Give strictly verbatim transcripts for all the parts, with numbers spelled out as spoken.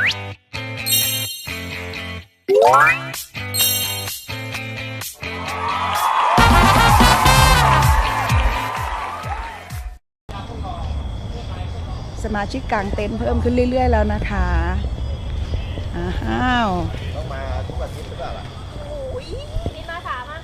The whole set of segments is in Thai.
สมาชิกกางเต็นท์เพิ่มขึ้นเรื่อยๆแล้วนะคะอ้าวต้องมาทุกอาทิตย์หรือเปล่าล่ะโอ้ยนี่มาสามอ่ะ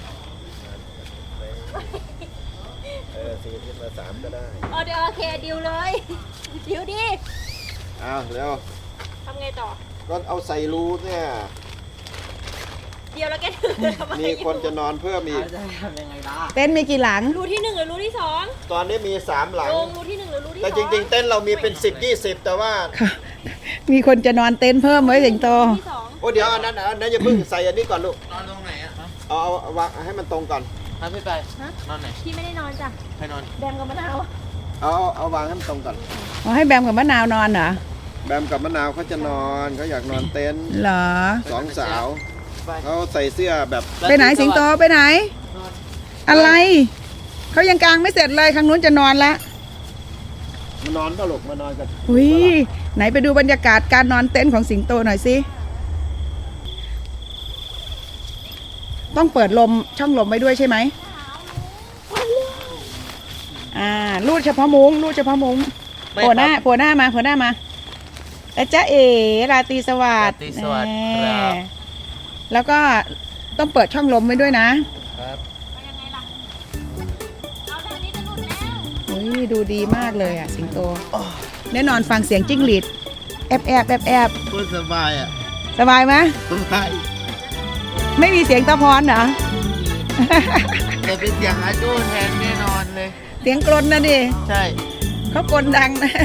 เออสี่อาทิตย์มาสามก็ได้เออเดี๋ยวโอเคดิวเลยดิวดิอ้าวเร็วทำไงต่อก็เอาใส่รูเนี่ยเดียวแล้วแกถือทำไมมีคนจะนอนเพิ่มอีกเต็นท์มีกี่หลังรูที่หนึ่งหรือรูที่สองตอนนี้มีสามหลังลงรูที่หนึ่งหรือรูที่สองแต่จริงๆเต็นท์เรามีเป็นสิบยี่สิบแต่ว่ามีคนจะนอนเต็นท์เพิ่มไว้สิงโตโอ้เดี๋ยวอันนั้นอันนั้นอย่าเพิ่งใส่อันนี้ก่อนลูกนอนตรงไหนอ่ะเอาเอาวางให้มันตรงก่อนฮะพี่ไปนอนไหนพี่ไม่ได้นอนจ้ะใครนอนแบมกับมะนาวเอาเอาวางให้มันตรงก่อนเอาให้แบมกับมะนาวนอนเหรอแบมกับมะนาวเขาจะนอนเขาอยากนอนเต็นท์เหรอสองสาวเขาใส่เสื้อแบบไปไหนสิงโตไปไหนอะไรเขายังกางไม่เสร็จเลยข้างนู้นจะนอนละมานอนก็หลกมานอนกันอุ้ยไหนไปดูบรรยากาศการนอนเต็นท์ของสิงโตหน่อยสิต้องเปิดลมช่องลมไว้ด้วยใช่ไหมอ่ารูดเฉพาะมุ้งรูดเฉพาะมุ้งโผล่หน้าโผล่หน้ามาโผล่หน้ามาแล้วจ้าเอ๋ราตรีสวัสดิ์ราตรีสวัสดิ์ครับแล้วก็ต้องเปิดช่องลมไว้ด้วยนะครับยังไงล่ะเอาแบบนี้จะหลุดแล้วอุ้ยดูดีมากเลยอ่ะสิงโตแน่นอนฟังเสียงจิ้งหรีดแอบแอบแอบแอบพูดสบายอ่ะสบายไหมสบายไม่มีเสียงตะพรเหรอแต่เป็นเสียงอาจูแทนแน่นอนเลยเสียงกรนนะดิใช่เขากรนดังนะ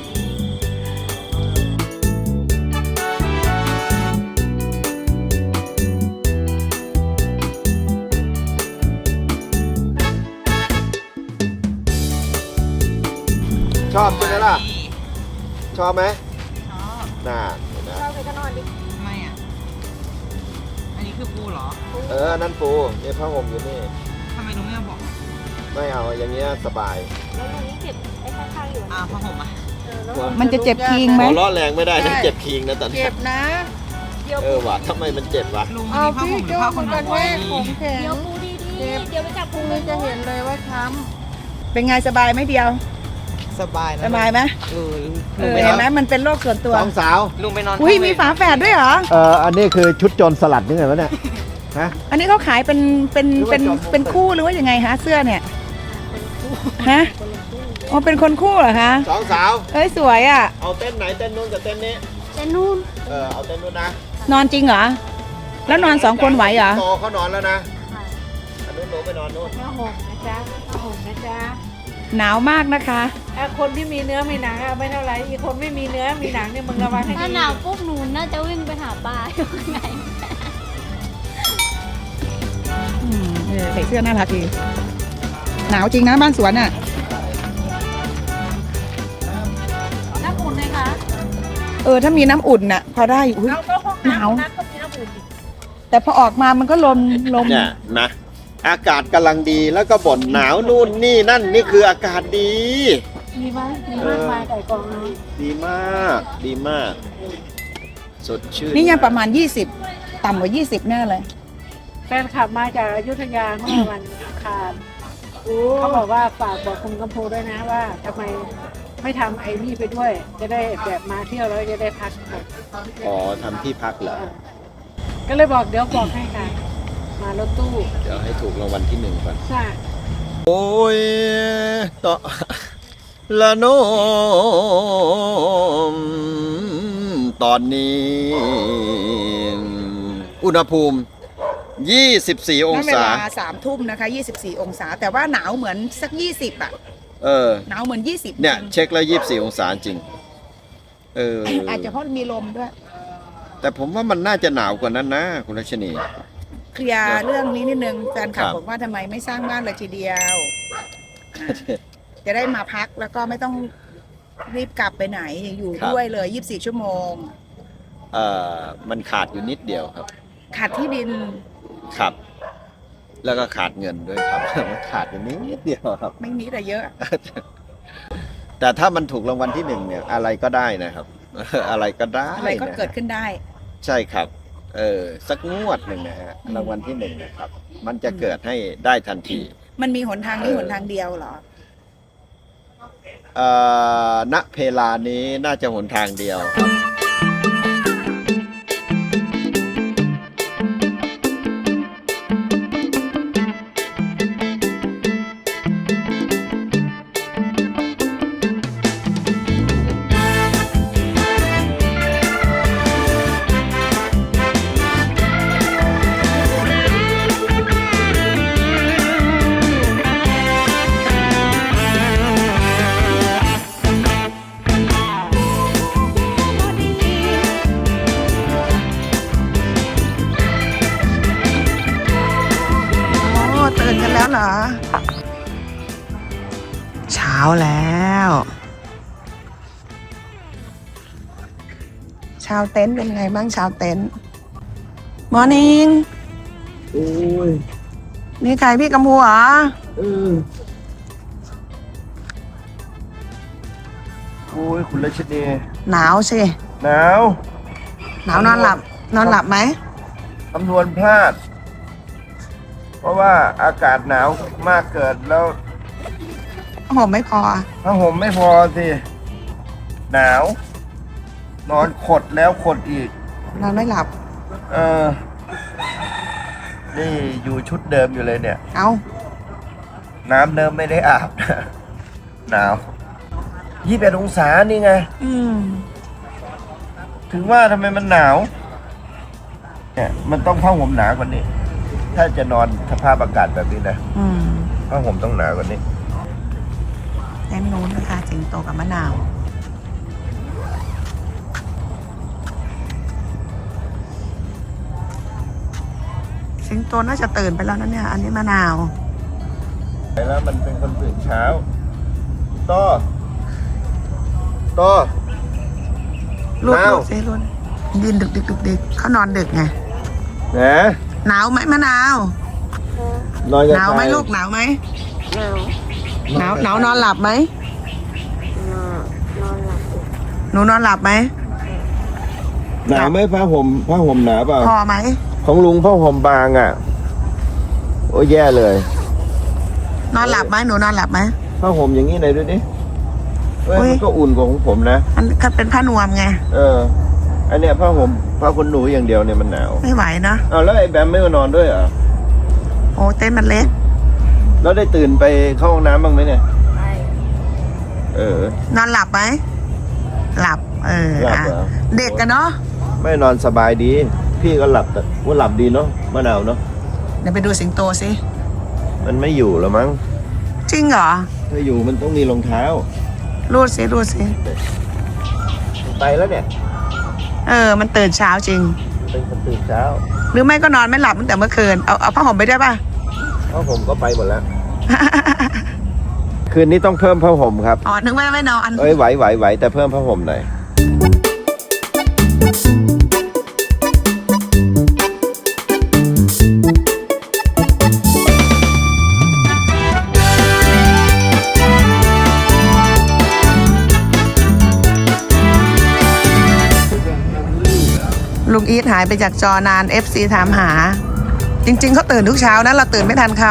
ชอบใช่ไหมล่ะชอบไหมชอบน่าชอบไปก็นอนดิทำไมอ่ะอันนี้คือปูเหรอเออนั่นปูนี่ผ้าห่มอยู่นี่ทำไมลุงไม่บอกไม่เอาอย่างเงี้ยสบายแล้วลุงนี่เก็บไอ้ข้างๆอยู่อ่าผ้าห่มอ่ะมันจะเจ็บคิงไหมหัวล้อแรงไม่ได้นะเจ็บคิงนะตอนนี้เจ็บนะเออว่ะทำไมมันเจ็บวะลุงนี่ผ้าห่มหรือผ้าขนหนูไว้เดี๋ยวปูดีๆเดี๋ยวไปจับปูจะเห็นเลยว่าช้ำเป็นไงสบายไหมเดียวสบายนะสบายไหมเออเออเห็นไหมมันเป็นโรคส่วนตัวสองสาวลุงไปนอนอุ้ยมีฝาแฝดด้วยเหรอเอออันนี้คือชุดโจรสลัดนี่ไงวะเนี่ยฮะอันนี้เขาขายเป็นเป็นเป็นเป็นคู่หรือว่ายังไงฮะเสื้อเนี่ยฮะอ๋อเป็นคนคู่เหรอคะสองสาวเอ้ยสวยอ่ะเอาเต้นไหนเต้นนู้นกับเต้นนี้เต้นนู่นเออเอาเต้นนู้นนะนอนจริงเหรอแล้วนอนสองคนไหวเหรอโตเขานอนแล้วนะอันนู้นหนูไปนอนนู้นผ้าห่มนะจ๊ะผ้าห่มนะจ๊ะหนาวมากนะคะคนที่มีเนื้อมีหนังอะไม่เท่าไรอีกคนไม่มีเนื้อมีหนังเนี่ยมึงระวังให้ดีถ้าหนาวปุ๊บหนูน่าจะวิ่งไปหาปลาอยู่ข้างในใส่เสื้อน่ารักดีหนาวจริงนะบ้านสวนอ่ะน้ำอุ่นไหมคะเออถ้ามีน้ำอุ่นน่ะพอได้อุ้ยหนาวแต่พอออกมามันก็ลมลมเนี่ยนะอากาศกำลังดีแล้วก็บ่นหนาวนู่นนี่นั่นนี่คืออากาศดีดีไหมดีมากมายไก่กองนี้ดีมากดีมากสดชื่นนี่ยังประมาณยี่สิบต่ำกว่ายี่สิบแน่เลยแฟนขับมาจากอยุธยาเมื่อวันอังคารเขาบอกว่าฝากบอกคุณกำพูด้วยนะว่าทำไมไม่ทำไอ้นี่ไปด้วยจะได้แบบมาเที่ยวแล้วจะได้พักอ๋อทำที่พักเหรอก็เลยบอกเดี๋ยวบอกให้ค่ะมารถตู้เดี๋ยวให้ถูกรางวัลที่หนึ่งก่อนใช่โอ้ยต่อละโนมตอนนี้อุณหภูมิยี่สิบสี่องศาเวลาสามทุ่มนะคะยี่สิบสี่องศาแต่ว่าหนาวเหมือนสักยี่สิบอ่ะเออหนาวเหมือนยี่สิบเนี่ยเช็คแล้วยี่สิบสี่องศาจริงเอออาจจะเพราะมีลมด้วยแต่ผมว่ามันน่าจะหนาวกว่านั้นนะคุณรัชนีเคลียร์เรื่องนี้นิดนึงแฟนคลับบอกว่าทำไมไม่สร้างบ้านเลยทีเดียวจะได้มาพักแล้วก็ไม่ต้องรีบกลับไปไหนอยู่ด้วยเลยยี่สิบสี่ชั่วโมงเอ่อมันขาดอยู่นิดเดียวครับขาดที่ดินครับแล้วก็ขาดเงินด้วยครับมันขาดอยู่นิดเดียวครับไม่นิดแต่เยอะแต่ถ้ามันถูกรางวัลที่หนึ่งเนี่ยอะไรก็ได้นะครับอะไรก็ได้อะไรก็เกิดนะขึ้นได้ใช่ครับ เออสักงวดหนึ่งนะฮะรางวัลที่หนึ่งนะครับ มันจะเกิดให้ได้ทันทีมันมีหนทางนี้หนทางเดียวเหรอเอ่อณเพลานี้น่าจะหนทางเดียวครับโอ้ตื่นกันแล้วเหรอ เช้าแล้ว ชาวเต็นท์เป็นไงบ้างชาวเต็นท์มอร์นิ่งโอ้ยนี่ใครพี่กำพูเหรอเออโอ้ยคุณรัชนีหนาวสิหนาวหนาวนอนหลับ นอนหลับไหมคำนวณพลาด เพราะว่าอากาศหนาวมากเกินแล้วผมไม่พอผ้าห่มไม่พอสิ หนาว นอนขดแล้วขดอีกนอนไม่หลับเออ นี่อยู่ชุดเดิมอยู่เลยเนี่ยเอาน้ำเดิมไม่ได้อาบ หนาวยี่สิบเอ็ดองศานี่ไงอืมถึงว่าทำไมมันหนาว เนี่ยมันต้องผ้าห่มหนากว่านี้ ถ้าจะนอนสภาพอากาศแบบนี้นะอืมผ้าห่มต้องหนากว่านี้เต้นนู้นนะคะสิงโตกับมะนาว สิงโตน่าจะตื่นไปแล้วนะเนี่ย อันนี้มะนาวแล้วมันเป็นคนตื่นเช้าต่อต่อลูกมะนาวลูกเซรุนยืนดึกดึกดึกดึกเขานอนดึกไงนะหนาวไหมมะนาวนอนกับหนาวไหมใครลูกหนาวไหมหนาวหนาวนอนหลับไหมหนูนอนหลับไหมหนาวไหมผ้าห่มผ้าห่มหนาเปล่าพอไหมของลุงผ้าห่มบางอ่ะ โอ้ยแย่เลยนอนหลับไหมหนูนอนหลับไหมผ้าห่มอย่างนี้ไหนดูดิเอ้ยอุ๊ยมันก็อุ่นกว่าของผมนะมันก็เป็นผ้านวมไงเออ อันเนี้ยผ้าห่มผ้าขนหนูอย่างเดียวเนี่ยมันหนาวไม่ไหวเนาะอ้าวแล้วไอ้แบมไม่มานอนด้วยเหรอโอ้เต้นท์มันเล็กแล้วได้ตื่นไปเข้าห้องน้ำบ้างไหมเนี่ยเออนอนหลับไหมหลับ เออหลับอ่ะเหรอเด็กกันเนาะไม่นอนสบายดี พี่ก็หลับแต่ว่าหลับดีเนาะมะนาวเนาะเดี๋ยวไปดูสิงโตสิมันไม่อยู่แล้วมั้งจริงเหรอถ้าอยู่มันต้องมีรองเท้ารูดสิรูดสิไปแล้วเนี่ยเออ มันตื่นเช้าจริงเป็นคนตื่นเช้าหรือไม่ก็นอนไม่หลับตั้งแต่เมื่อคืน เอาเอาผ้าห่มไปด้วยป่ะเพราะผมก็ไปหมดแล้ว คืนนี้ต้องเพิ่มผ้าห่มครับอ๋อ นึกว่าไม่นอนเอ้ยไหวไหวไหวแต่เพิ่มผ้าห่มหน่อยลุงอีทหายไปจากจอนาน เอฟ ซี ถามหา จริง ๆเขาตื่นทุกเช้านะ เราตื่นไม่ทันเขา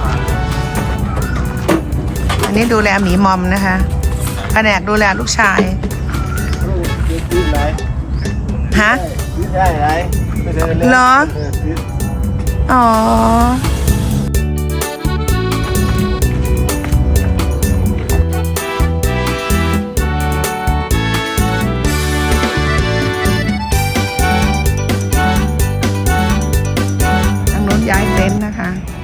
อันนี้ดูแลหมีมอมนะคะแผนกดูแลลูกชาย ฮะได้ไรเหรอ อ๋อ ทางโน้นย้ายเต็นท์นะคะ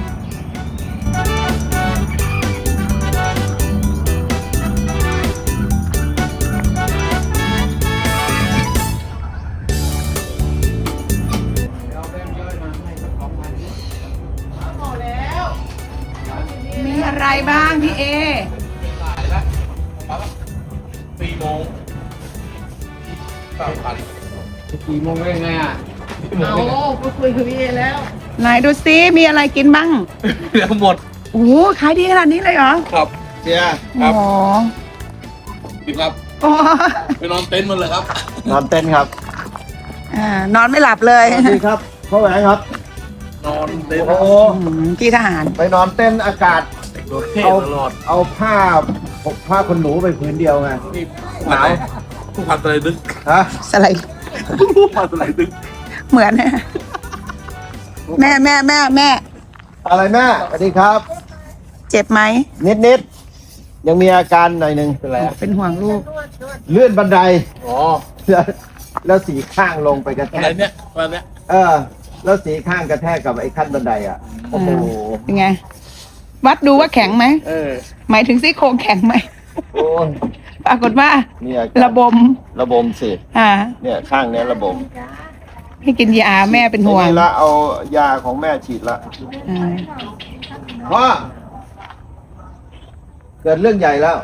มีอะไรบ้างพี่เอสี่โมงสามพันสี่โมงได้ไงอ่ะเอาก็คุยกับพี่เอแล้ว ไหนดูซิมีอะไรกินบ้างเดี๋ยวหมดโอ้โหขายดีขนาดนี้เลยเหรอครับเชียร์ครับโอ้โหพี่ครับโอ้ไปนอนเต็นท์มันเลยครับนอนเต็นท์ครับอ่านอนไม่หลับเลยสวัสดีครับพ่อแหวนครับนอนเต็นท์โอ้โหอืมที่ทหารไปนอนเต้นท์อากาศโดดเท่เอาตลอดเอาผ้าปกผ้าคนหนูไปผืนเดียวไงนี่หนาวผู้พันอะไรดึกฮะสไลด์ผู้พันอะไรดึกเหมือนนะแม่แม่แม่แม่อะไรแม่สวัสดีครับเจ็บไหมนิดนิดๆยังมีอาการหน่อยหนึ่งเป็นไรเป็นห่วงลูกเลื่อนบันไดอ๋อแล้วแล้วสีข้างลงไปกระแทอะไรกเนี่ยวันเนี้ยเออ แล้วสีข้างกระแทกกับไอ้ขั้นบันไดอ่ะโอ้โหเป็นไง วัดดูว่าแข็งไหมเออหมายถึงซี่โครงแข็งไหมโอ้ยปรากฏว่านี่อาการระบมระบมสิอ่าเนี่ยข้างเนี้ยระบมให้กินยาแม่เป็นห่วงนี่ละเอายาของแม่ฉีดละอ่าพ่อเกิดเรื่องใหญ่แล้ว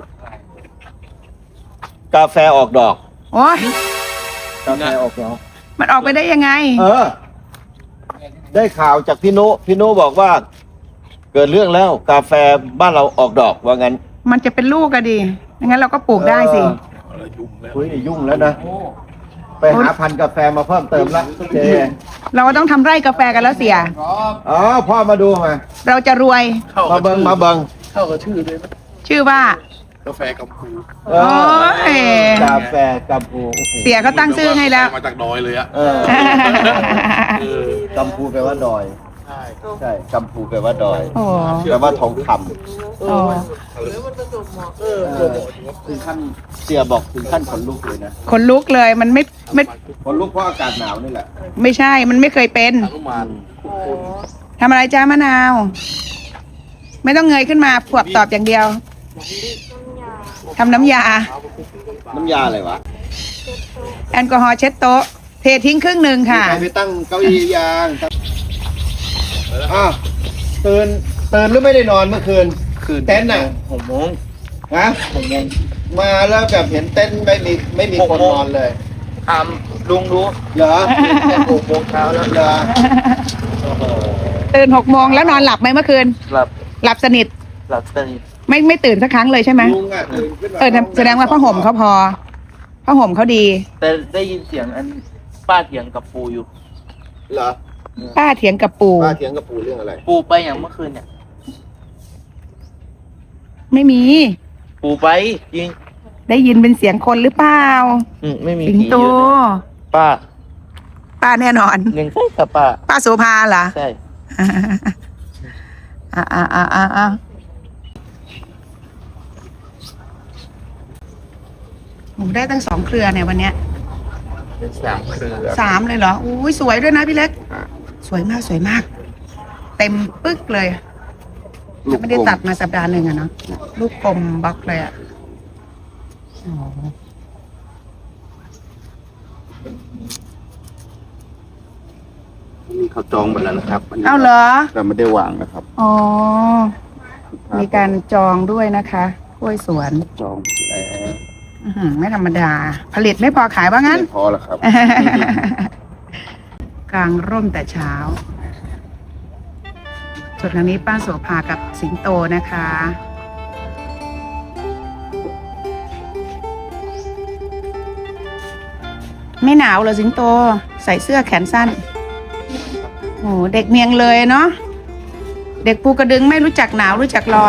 กาแฟออกดอกโอ้ยกาแฟออกดอกมันออกไปได้ยังไงเออ ได้ข่าวจากพี่นุพี่นุบอกว่า เกิดเรื่องแล้วกาแฟบ้านเราออกดอกว่างั้นมันจะเป็นลูกก็ดีงั้นเราก็ปลูกได้สิอะไรยุ่งแล้วคุยยุ่งแล้วนะ ไปหาพันธุ์กาแฟมาเพิ่มเติมละเจเราก็ต้องทำไร่กาแฟกันแล้วเสียอ๋อพ่อมาดูมาเราจะรวยเข้ามากับเบิงชื่อมาเบิงเข้ากับชื่อเลยนะชื่อว่ากาแฟกัมพูเออโอ้ยกาแฟกัมพูโอ้โหเสียเขาตั้งชื่อให้แล้วมาจากดอยเลยอะเออเออกัมพูแปลว่าดอยใช่ใช่กัมพูแปลว่าดอยโอ้แปลว่าทองคโอ้เออำเออถึงขั้นเสียบอกถึงขั้นขนลุกเลยนะขนลุกเลยมันไม่ไม่ขนลุกเพราะอากาศหนาวนี่แหละไม่ใช่ มันไม่เคยเป็นอนุมานทำอะไรจ้ามะนาว ไม่ต้องเงยขึ้นมาปวบตอบอย่างเดียวทำน้ำยาน้ำยาอะไรวะแอลกอฮอล์เช็ดโต๊ะ เททิ้งครึ่งหนึ่งค่ะใครไปตั้งเก้าอี้ยางอ่ะตื่นตื่นหรือไม่ได้นอนเมื่อคืนคืนเต็นท์น่ะหกโมงฮะหกโมงมาแล้วแบบเห็นเต็นท์ไม่มีไม่มีคนนอนเลยถามลุงดูเหรอหกโมงเช้าแล้วเหรอโอ้โหตื่นหกโมงแล้วนอนหลับไหมเมื่อคืนหลับหลับสนิทหลับสนิทไม่ไม่ตื่นสักครั้งเลยใช่ไหมลุงอ่ะตื่นขึ้นมาเออแสดงว่าผ้าห่มเขาพอผ้าห่มเขาดีแต่ได้ยินเสียงอันป้าเถียงกับปูอยู่เหรอป้าเถียงกับปู่ป้าเถียงกับปู่เรื่องอะไรปูไปอย่างเมื่อคืนเนี่ยไม่มีปูไปจริงได้ยินเป็นเสียงคนหรือเปล่าอืมไม่มีสิงผีโตอยู่เนี่ยป้าป้าแน่นอนหนึ่งใช่กับป้าป้าโสภาเหรอใช่อ่าอ่าอ่าอ่าอ่าโอ้ได้ตั้งสองเครือเนี่ยวันเนี้ยเป็นสามเครือสามเลยเหรออุ้ยสวยด้วยนะพี่เล็ก สวยมากสวยมาก เต็มปึ๊กเลยยังไม่ได้ตัดมาสัปดาห์หนึ่งอะเนาะลูกกลมบล็อกเลยอะอ๋อนี่เขาจองหมดแล้วนะครับเอาเหรอแต่ไม่ได้วางนะครับอ๋อ มีการจองด้วยนะคะกล้วยสวนจองแล้วอื้อหือไม่ธรรมดา ผลิตไม่พอขายว่างั้นไม่พอแล้วครับกลางร่มแต่เช้าส่วนทางนี้ป้าโสภากับสิงโตนะคะ ไม่หนาวเหรอสิงโต ใส่เสื้อแขนสั้น โอ้เด็กเมียงเลยเนาะ เด็กภูกระดึงไม่รู้จักหนาวรู้จักร้อน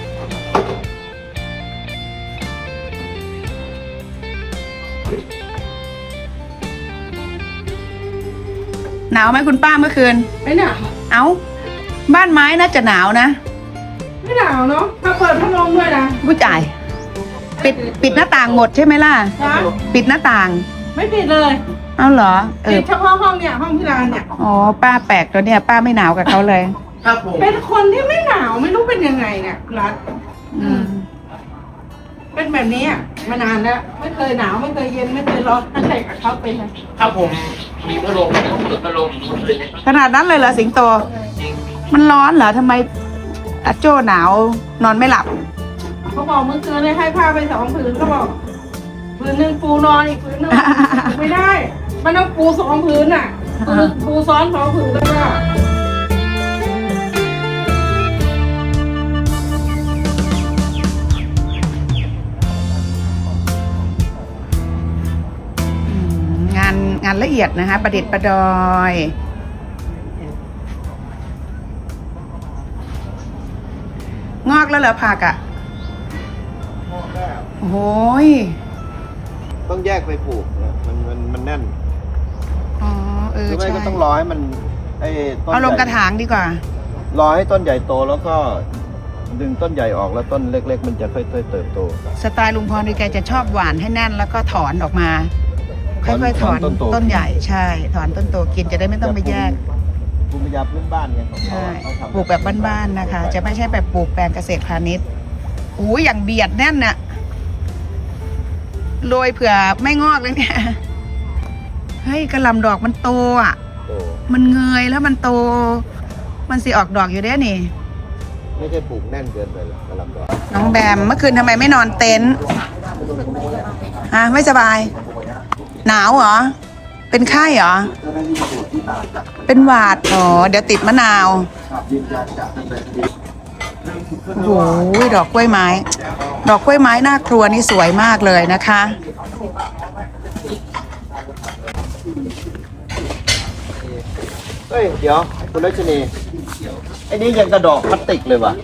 หนาวไหมคุณป้าเมื่อคืนไม่หนาวเอ้า บ้านไม้น่าจะหนาวนะไม่หนาวเนาะถ้าเปิดพัดลมด้วยนะผู้จ่าย ปิดปิดหน้าต่างหมดใช่ไหมล่ะนะปิดหน้าต่างไม่ปิดเลยเอ้าเหรอ เอปิอดเฉพาะห้องเนี่ยห้องพิรานเนี่ยอ๋อ ป้าแปลกตัวเนี่ย ป้าไม่หนาวกับเขาเลยครับผมเป็นคนที่ไม่หนาวไม่รู้เป็นยังไงเนี่ยรัฐอืมเป็นแบบนี้อ่ะมานานแล้วไม่เคยหนาวไม่เคยเย็นไม่เคยร้อนตั้งแต่กับเขาเป็นเลยครับผมมีพัดลมต้องเปิดพัดลมหมดเลยขนาดนั้นเลยเหรอสิงโตจริงมันร้อนเหรอทำไมอาโจ้หนาวนอนไม่หลับเขาบอกเมื่อคืนเลยให้ผ้าไปสองผืนเขาบอกผืนหนึ่งปูนอนอีกผืนหนึ่ง ไม่ได้ มันต้องปูสองผืนอ่ะปูปูซ้อนสองผืนแล้วก็านละเอียดนะคะ ประดิษฐ์ประดอยงอกแล้วเหรอผักอ่ะโอ้ยต้องแยกไปปลูกนะมันมันมันแน่นอ๋อเอหอรือไม่ใช่ก็ต้องรอให้มันไอ้ต้นเอาลงใหญ่กระถางดีกว่ารอให้ต้นใหญ่โตแล้วก็ดึงต้นใหญ่ออกแล้วต้นเล็ก ๆ มันจะค่อยๆเติบโตสไตล์ลุงพรดีแกจะชอบหวานให้แน่นแล้วก็ถอนออกมาถอนค่อยๆถอนถอนต้นโตต้นใหญ่ใช่ ถอนต้นโตกินจะได้ไม่ต้องไปแยกภูมิปัญญาพื้นบ้านไงของเขาใช่เขาทำปลูกแบบบ้านๆนะคะ จะไม่ใช่แบบปลูกแปลงเกษตรพาณิชย์อู้อย่างเบียดแน่นน่ะโรยเผื่อไม่งอกเลยเนี่ยเฮ้ยกระหลำดอกมันโตอ่ะโตมันเงยแล้วมันโต มันสิออกดอกอยู่ได้นี่ไม่ใช่ปลูกแน่นเกินไปหรอกกระหลำดอกน้องแบมเมื่อคืนทำไมไม่นอนเต็นท์ฮะไม่สบาย หนาวเหรอ เป็นไข้เหรอ เป็นหวัดอ๋อเดี๋ยวติดมะนาวโอ้โหดอกกล้วยไม้ ดอกกล้วยไม้หน้าครัวนี่สวยมากเลยนะคะเฮ้ยเดี๋ยวคุณรัชนีไอ้นี่ยังกระดอกพลาสติกเลยว่ะ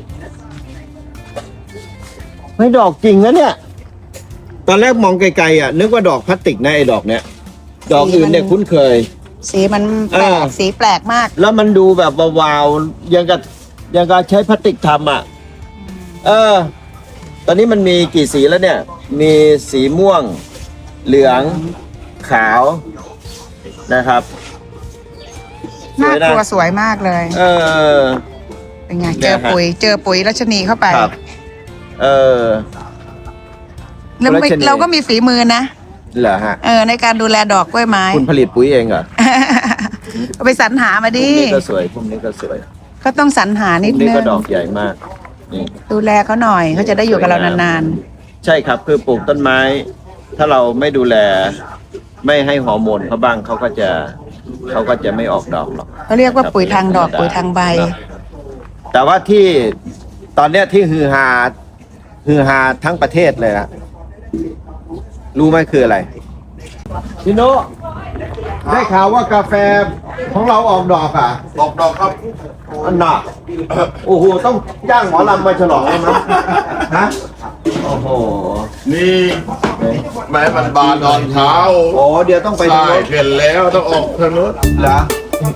ไม่ดอกจริงนะเนี่ย ตอนแรกมองไกลๆอ่ะนึกว่าดอกพลาสติกนะไอ้ดอกเนี้ยดอกอื่นเนี่ยคุ้นเคยสีมันแปลเอก อสีแปลกมากแล้วมันดูแบบวาวๆยังกับยังกับใช้พลาสติกทำอ่ะ เออ ตอนนี้มันมีกี่สีแล้วเนี่ย มีสีม่วง เหลือง ขาวนะครับหน้าครัวสวยมากเลยเออเป็นไงเนี่เจยอฮะปุ๋ย เจอปุ๋ยรัชนีเข้าไปครับ เออแล้วไม่รัชนีเราก็มีฝีมือนะเหรอฮะเออในการดูแลดอกกล้วยไม้คุณผลิตปุ๋ยเองเหรอเอาไปสรรหามาพวดิกนี้ก็สวยพวกนี้ก็สวยก็ต้องสรรหาพนิวดกนี้นึก็งดอกใหญ่มาก นี่ดูแลเขาหน่อยเขาจะได้อยู่กับเรานานใช่ครับคือปลูกต้นไม้ ถ้าเราไม่ดูแล ไม่ให้ฮอร์โมนเขาบ้างเขาก็จะเขาก็จะไม่ออกดอกหรอกๆเขาเรียกว่าปุ๋ยทางดอกปุ๋ยทางใบแต่ว่าที่ตอนเนี้ยที่ฮือฮาฮือฮาทั้งประเทศเลยนะรู้ไหมคืออะไรพี่โนได้ข่าวว่ากาแฟของเราออกดอกอ่ะออกดอกครับอันหนักโอ้โหต้องจ้างหมอลำมาฉลองแล้วนะฮะโอ้โหนี่แม่มันบานตอนเช้าโอ้เดี๋ยวต้องไปใช่ทางโน้นเห็นแล้วต้องออกทางนู้นเหรอ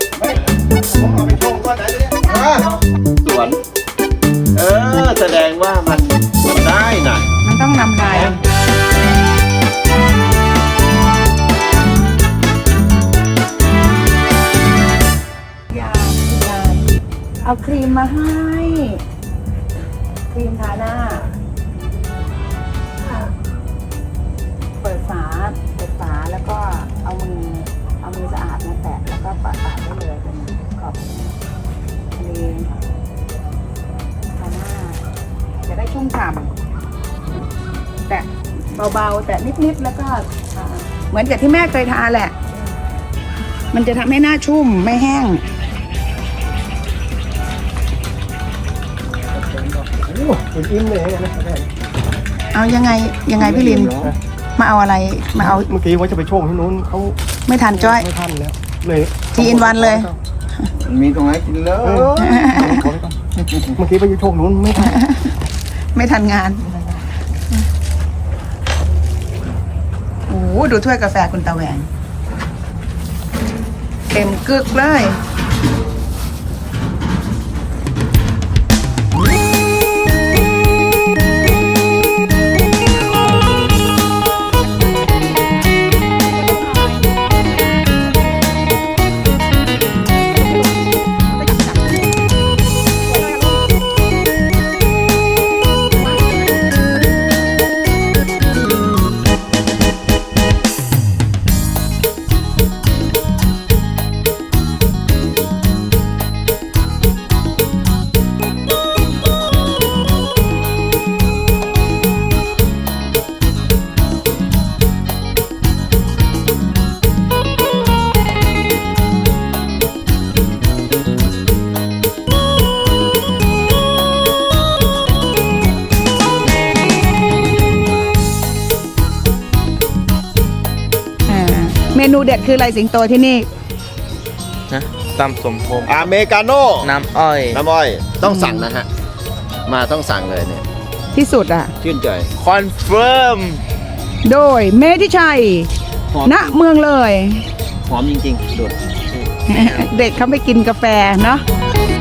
ฮะสวน เออ แสดงว่ามันได้น่ะมันต้องนำลายยาเอาครีมมาให้ ครีมทาหน้า เปิดฝา เปิดฝาแล้วก็เอามือ เอามือสะอาดมาแตะแล้วก็ปาดปาดได้เลยเป็นขอบครีมทาหน้า จะได้ชุ่มฉ่ำแตะเบาๆ แตะนิดๆ แล้วก็ทาเหมือนกับที่แม่เคยทาแหละ มันจะทำให้หน้าชุ่มไม่แห้งอิ่มเลยนะเอายังไงยังไงพี่ลิน มาเอาอะไร มาเอาเมื่อกี้ว่าจะไปโชว์ที่นู้นเขาไม่ทันจ้อยไม่ทันแล้วเลยทีอินวันเลยมีตรงไหนกินเลยเมื่อกี้ไปโชว์นู้นไม่ทันไม่ทันงาน โอ้โหดูถ้วยกาแฟคุณตาแหวงเต็มกึกเลยเมนูเด็ดคืออะไรสิงโตที่นี่นะตำสมพงษ์อเมริกาโน่น้ำอ้อยน้ำอ้อยต้องสั่งนะฮะ มาต้องสั่งเลยเนี่ยที่สุดอ่ะชื่นใจคอนเฟิร์มโดยเมธิชัยหอมณเมืองเลยหอมจริงๆดูดเด็กเขาไปกินกาแฟเนาะ